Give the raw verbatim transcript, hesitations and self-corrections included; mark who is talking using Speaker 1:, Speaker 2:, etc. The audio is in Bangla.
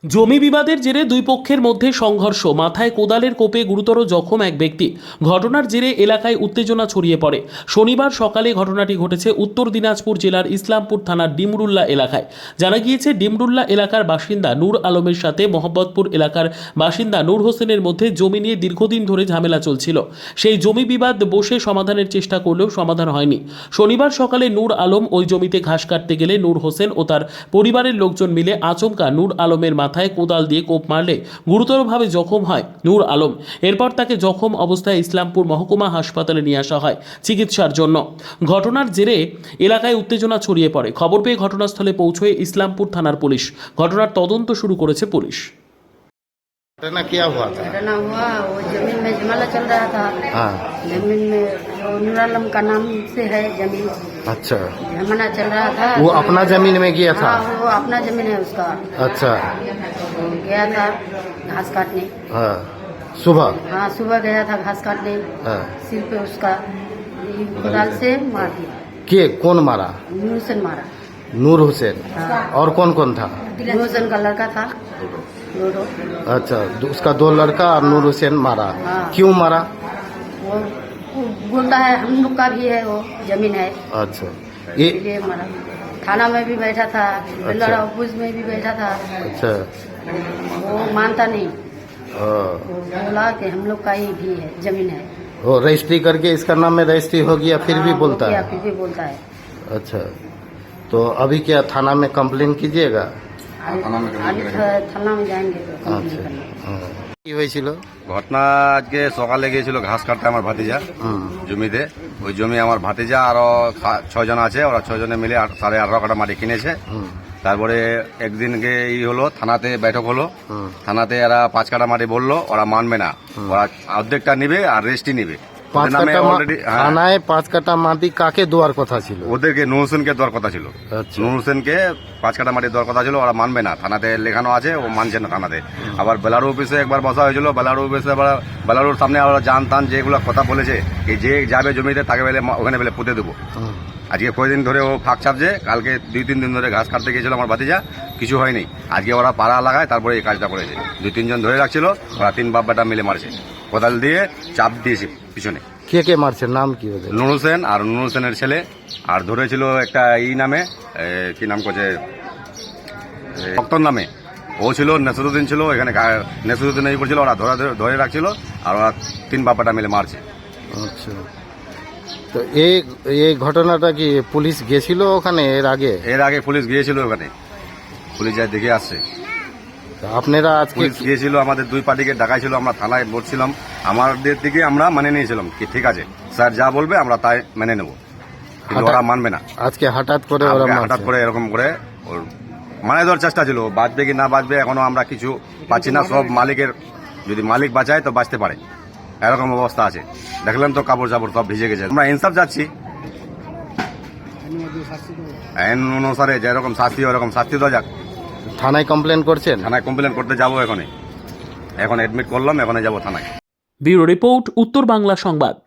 Speaker 1: জমি বিবাদের জেরে দুই পক্ষের মধ্যে সংঘর্ষ, মাথায় কোদালের কোপে গুরুতর জখম এক ব্যক্তি। ঘটনার জেরে এলাকায় উত্তেজনা ছড়িয়ে পড়ে। শনিবার সকালে ঘটনাটি ঘটেছে উত্তর দিনাজপুর জেলার ইসলামপুর থানার ডিমরুল্লা এলাকায়। জানা গিয়েছে, ডিমরুল্লা এলাকার বাসিন্দা নূর আলমের সাথে মোহাম্মদপুর এলাকার বাসিন্দা নূর হোসেনের মধ্যে জমি নিয়ে দীর্ঘদিন ধরে ঝামেলা চলছিল। সেই জমি বিবাদ বসে সমাধানের চেষ্টা করলেও সমাধান হয়নি। শনিবার সকালে নূর আলম ওই জমিতে ঘাস কাটতে গেলে নূর হোসেন ও তার পরিবারের লোকজন মিলে আচমকা নূর আলমের মাথায় কোদাল দিয়ে কোপ মারলে গুরুতরভাবে জখম হয় নূর আলম। এরপর তাকে জখম অবস্থায় ইসলামপুর মহকুমা হাসপাতালে নিয়ে আসা হয় চিকিৎসার জন্য। ঘটনার জেরে এলাকায় উত্তেজনা ছড়িয়ে পড়ে। খবর পেয়ে ঘটনাস্থলে পৌঁছয় ইসলামপুর থানার পুলিশ। ঘটনার তদন্ত শুরু করেছে পুলিশ।
Speaker 2: घटना क्या हुआ था?
Speaker 3: घटना हुआ, वो जमीन में झमेला चल रहा था।
Speaker 2: हाँ।
Speaker 3: जमीन में वो नूर आलम का नाम से है जमीन,
Speaker 2: अच्छा,
Speaker 3: झमेला चल रहा था।
Speaker 2: वो अपना जमीन में गया था?
Speaker 3: हाँ, वो अपना जमीन है उसका।
Speaker 2: अच्छा।
Speaker 3: वो गया था घास काटने।
Speaker 2: हाँ, सुबह?
Speaker 3: हाँ, सुबह गया था घास काटने।
Speaker 2: हाँ।
Speaker 3: सिर पे उसका कोदाल से मार दिया।
Speaker 2: के कौन मारा?
Speaker 3: नूर हुसैन मारा।
Speaker 2: नूर हुसैन।
Speaker 3: हाँ।
Speaker 2: और कौन कौन था?
Speaker 3: नूर हुसैन का लड़का था लोडो।
Speaker 2: अच्छा, उसका दो लड़का और नूर हुसैन मारा।
Speaker 3: हाँ।
Speaker 2: क्यों मारा?
Speaker 3: वो वो बोलता है हम लोग का भी है, वो जमीन है,
Speaker 2: अच्छा, ये
Speaker 3: इसलिए मारा। थाना में भी बैठा था, बेलड़ा ऑफिस में भी बैठा था।
Speaker 2: अच्छा।
Speaker 3: वो मानता नहीं,
Speaker 2: हाँ।
Speaker 3: वो बोला कि हम लोग का ही भी है, जमीन है।
Speaker 2: वो रजिस्ट्री करके इसका नाम में रजिस्ट्री हो गया, फिर भी
Speaker 3: हाँ,
Speaker 2: बोलता
Speaker 3: वो क्या
Speaker 2: है?
Speaker 3: फिर भी बोलता है।
Speaker 2: अच्छा, तो अभी क्या थाना में कंप्लेन कीजिएगा?
Speaker 3: अभी था- थाना में जाएंगे तो कंप्लेन
Speaker 2: আচ্ছা,
Speaker 3: करने।
Speaker 2: হ্যাঁ। কি হয়েছিল?
Speaker 4: ঘটনা আজকে সকালে গিয়েছিল ঘাস কাটতে আমার ভাতিজা
Speaker 2: হুম।
Speaker 4: জমিতে। ওই জমি আমার ভাতিজা আরো খা- ছয় জন আছে, ওরা ছয় জনে মিলে আট- সাড়ে আঠারো কাটা মাটি কিনেছে।
Speaker 2: হুম।
Speaker 4: তারপরে একদিনকে ই হলো, থানাতে বৈঠক হলো।
Speaker 2: হুম।
Speaker 4: থানাতে এরা পাঁচ কাটা মাটি বললো, ওরা মানবে না। ওরা অর্ধেকটা নিবে আর রেস্টই নিবে।
Speaker 2: পাঁচ
Speaker 4: ওদের নামে
Speaker 2: কাটা মা-
Speaker 4: already- হ্যাঁ,
Speaker 2: থানায় পাঁচ কাটা মাটি কাকে দেওয়ার কথা ছিল?
Speaker 4: ওদেরকে নুর হোসেনকে দেওয়ার কথা ছিল।
Speaker 2: আচ্ছা।
Speaker 4: নুর হোসেনকে পাঁচ কাটা মাটি দেওয়ার কথা ছিল, ওরা মানবে না। থানাতে লেখানো আছে, ও মানছে না থানাতে। আবার বেলারু অফিসে একবার বসা হয়েছিল, বেলারু অফিসে আবার বেলারুর সামনে আবার জান টান যেগুলো কথা বলেছে, এই যে যাবে জমিতে তাকে বেলে ওখানে বেলে পুঁতে দেবো।
Speaker 2: হুম।
Speaker 4: আজকে কয়েকদিন ধরে ও ফাঁক ছাপছে। কালকে দুই তিন দিন ধরে ঘাস কাটতে গিয়েছিল আমার ভাতিজা, কিছু হয়নি। আজকে ওরা পাড়া লাগায়, তারপরে এই কাজটা করেছে। দুই তিনজন ধরে রাখছিল, ওরা তিন বাপ বেটা মিলে মারছে, কোদাল দিয়ে চাপ দিয়েছে পিছনে।
Speaker 2: কে কে মারছে, নাম কি ওদের?
Speaker 4: নুর হোসেন আর নুর হোসেনের ছেলে, আর ধরেছিল একটা ই নামে, এ, কি নাম করছে, ভক্তর নামে। ও ছিল, নেসরুদ্দিন ছিল এখানে, নেসরুদ্দিন এই করছিল, ওরা ধরে ধরে রাখছিল, আর ওরা তিন বাপাটা মিলে মারছে।
Speaker 2: আচ্ছা, তো এই এই ঘটনাটা কি পুলিশ গেছিল ওখানে এর আগে?
Speaker 4: এর আগে পুলিশ গিয়েছিল ওখানে, পুলিশ যায় দেখে আসছে।
Speaker 2: তো আপনারা আজকে
Speaker 4: পুলিশ গিয়েছিল, আমাদের দুই পার্টিকে ডাকাইছিল, আমরা থানায় বসছিলাম। আমাদের দিকে আমরা মানে নিয়েছিলাম কি ঠিক আছে স্যার যা বলবে আমরা তাই মেনে নেব, কিন্তু ওরা মানবে না।
Speaker 2: আজকে হঠাৎ করে ওরা
Speaker 4: আমাকে হঠাৎ
Speaker 2: মারছে।
Speaker 4: করে এরকম করে ওর মানে দেওয়ার চেষ্টা ছিল। বাঁচবে কি না বাঁচবে এখনো আমরা কিছু পাচ্ছি না। সব মালিকের, যদি মালিক বাঁচায় তো বাঁচতে পারে, এরকম অবস্থা আছে। দেখলেন তো কাপড় চাপড় সব ভিজে গেছে। আমরা ইনসাফ যাচ্ছি, আইন অনুসারে যেরকম শাস্তি ওরকম শাস্তি দেওয়া যাক।
Speaker 2: থানায় কমপ্লেন করছেন?
Speaker 4: থানায় কমপ্লেন করতে যাবো এখনই, এখন এডমিট করলাম, এখনই যাবো থানায়।
Speaker 1: ব্যুরো রিপোর্ট, উত্তর বাংলা সংবাদ।